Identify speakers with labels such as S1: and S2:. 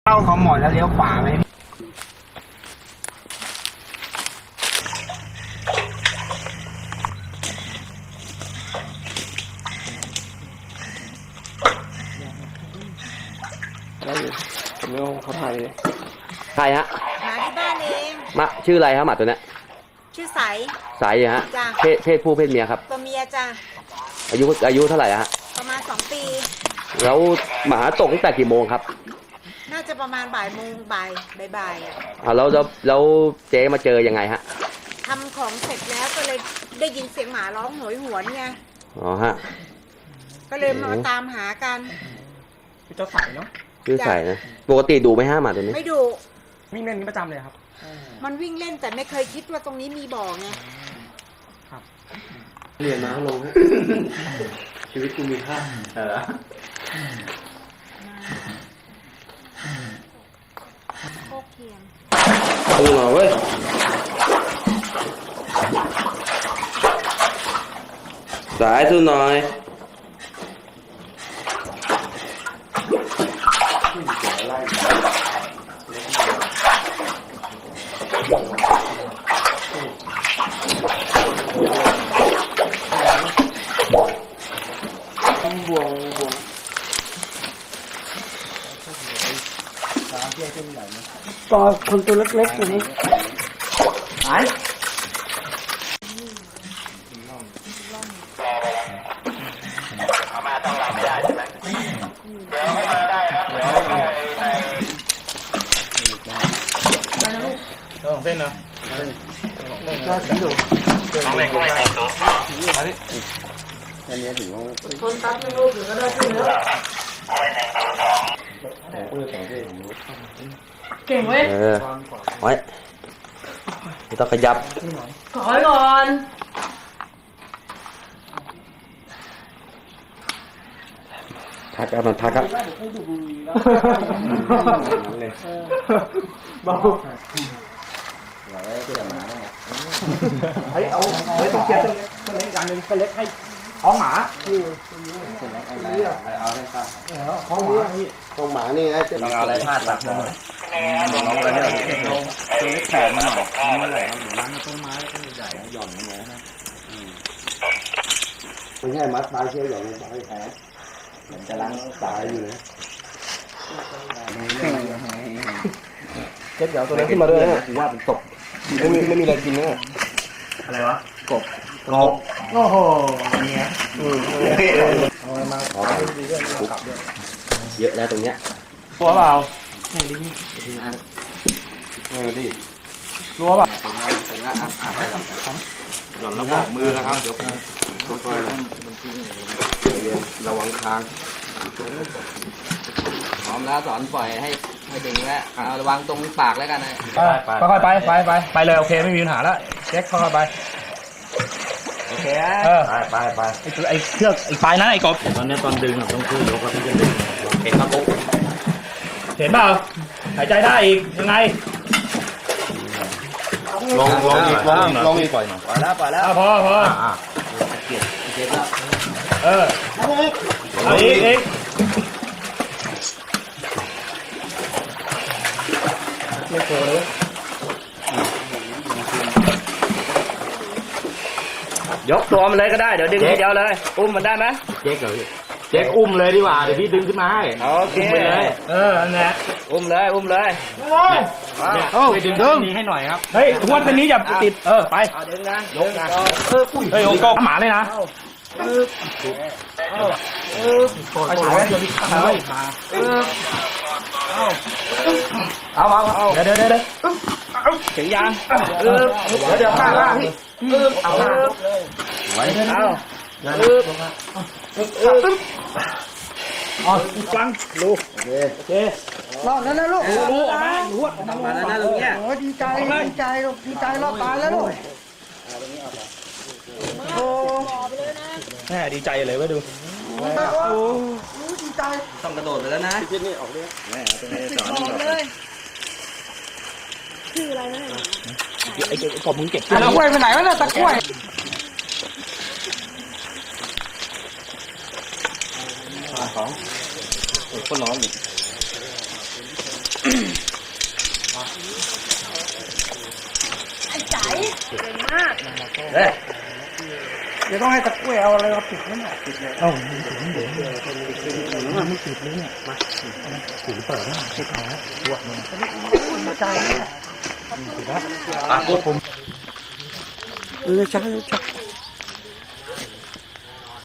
S1: เข้าของหมอแล้วเลี้ยวขวาไหม
S2: ได้อยู่ผมไม่เอาเขาถ่ายเลยใครฮะ
S3: หมาที่บ้านเอง
S2: มาชื่ออะไรครับหมาตัวเนี้ย
S3: ชื่อใส
S2: ใสฮะ
S3: จ้ะ
S2: เพศผู้เพศเมียครับ
S3: ตัวเมียจ้ะ
S2: อายุเท่าไหร่ฮะ
S3: ประมาณ2 ปี
S2: แล้วหมาตกตั้งแต่กี่โมงครับ
S3: น่าจะประมาณบ่ายโมงบ่ายอ่ะ
S2: แล้วเจ๊มาเจอยังไงฮะ
S3: ทำของเสร็จแล้วก็เลยได้ยินเสียงหมาร้องโหยหวนไง
S2: อ๋อฮะ
S3: ก็เลยมาตามหากัน
S1: เจ้าใส่เนาะ
S2: ชื่อใสนะปกติดูไหมฮะหมาตัวนี้
S3: ไม่ดู
S1: วิ่งเล่นนี้ประจำเลยครับ
S3: มันวิ่งเล่นแต่ไม่เคยคิดว่าตรงนี้มีบ่อไง
S1: ครับ
S2: เรียนมาลงชีวิตกูมีค่า
S3: โคกเทียม
S2: ดูหน่อยเว้ยสายดูหน่อยบวง
S1: ก็คนตัวเล็กๆตัวนี้หายเอามาต้องรับไม่ได้ใช่ไหมเดี๋ยวไม่ได้ครับเดี๋ยวเส้นนะก็สีดูเอาไปก็ไม่ตัวอันนี้ถือว่าคนตัดไม่รู้อยู่ก็ได้ขึ้นแล้วเก่งเว้ย
S2: ไว้ไม่ต้องขยับ
S3: ขอก่อน
S2: พักครับมันพักครับ
S1: เบาเฮ้ยเอาต้องเกียร์ตัวเล็กอย่างหนึ่งตัวเล็กให้ท้องหมาเอาให้ข้าท้องหมา
S2: ท้องหมานี่ไอ้
S1: ลองเอาอะไรพาดตัดลองอะไรเนี่ยลงตัวเล็กแขนมันหน่อยมันอะไรครับร้านต้นไม้ต้นใหญ่หย่อนลงนะ
S2: ไม่ใช่มัดตายเชี่ยวหย่อนลงไปแผลมันจะล้างตายอยู่นะ
S1: เจ็ดเดี๋ยวตัวนี้ขึ้นมาด้วยนะถือว่าเป็นตกไม่มีอะไรกินนะอะไรวะกบโอ้โหเนี้ยเอามาขอดีด้วยกลับด้วย
S2: เยอะแล้วตรงเนี้ย
S1: ตัวเปล่าไหนดิดิรัวเปล่าหย่อนแล้วบอกมือนะครับเดี๋ยวค่อยๆระวังคาง
S4: พร้อมแล้วสอนปล่อยให้ดึงแล้วระวังตรงปากแล้วกันนะ
S1: ค่อยๆไปเลยโอเคไม่มีปัญหาแล้วเช็คค่อยๆไป
S4: โอเค
S1: ไปไอ้เชือกไอ้ปลายนั้นไอ้กบ
S2: ตอนนี้ตอนดึงต้องขึ้นยกแล้วที่จะดึง
S1: เห็นครับปุ๊บเห็นเปล่าหายใจได้อีกยังไง
S2: ลงอีกปล่อยหน่อย
S4: ปล่อยแล้ว
S1: พอ
S4: เก็บแล้ว
S1: เอาอีกไม่โผล่เลยยกตัวมันเลยก็ได้เดี๋ยวดึงทีเดียวเลยอุ้มมันได้ไหม
S2: เจ๊กเหรอเจ๊กอุ้มเลยดีกว่าเดี๋ยวพี่ดึงขึ้นมาให้
S1: โอเคเลยนั่นแหละอุ้มเลย
S2: ไปดึงนี้ให้หน่อยครับ
S1: เฮ้ยทวนตัวนี้อย่าติดไป
S4: ดึงนะ
S1: ยกนะเฮ้ยโอ้โหหมาเลยนะไปฉายเดี๋ยวเอาเดี๋ยวถึงยางเดี๋ยวข้างล่างพี่เอา
S2: ไว้
S1: เอาฟังลูกโอเครอดแล้วนะลูกลูกออกมาหัวออก
S4: มาแล้วนะตรงเนี้ย
S1: โอ้ดีใจลูกดีใจรอดตายแล้วลูกโอ้แม่ดีใจเลยว่าดูโอ้ดีใจ
S4: ต้องกระโดดไปแล้วนะ
S1: ที่นี่ออกเลยแม่ตรงนี้สอนเลยคืออะไรนะไอ้กบมึงเก็บตะกล้วยไปไหนวะเนี่ยตะกล้วย
S2: ของคนน้อง
S3: เก่งมาก
S2: เฮ้ย
S1: เดี๋ยวต้องให้ตะกล้วยเอาอะไรมาปิดนั่นแหละปิดเลยเอ้ามันปิดไม่เดี๋ยวมันไม่ปิดเลยเนี่ยมาปิดเปิดนะปิดเอาตัวมันใจเนี่ยปิดนะผมใช่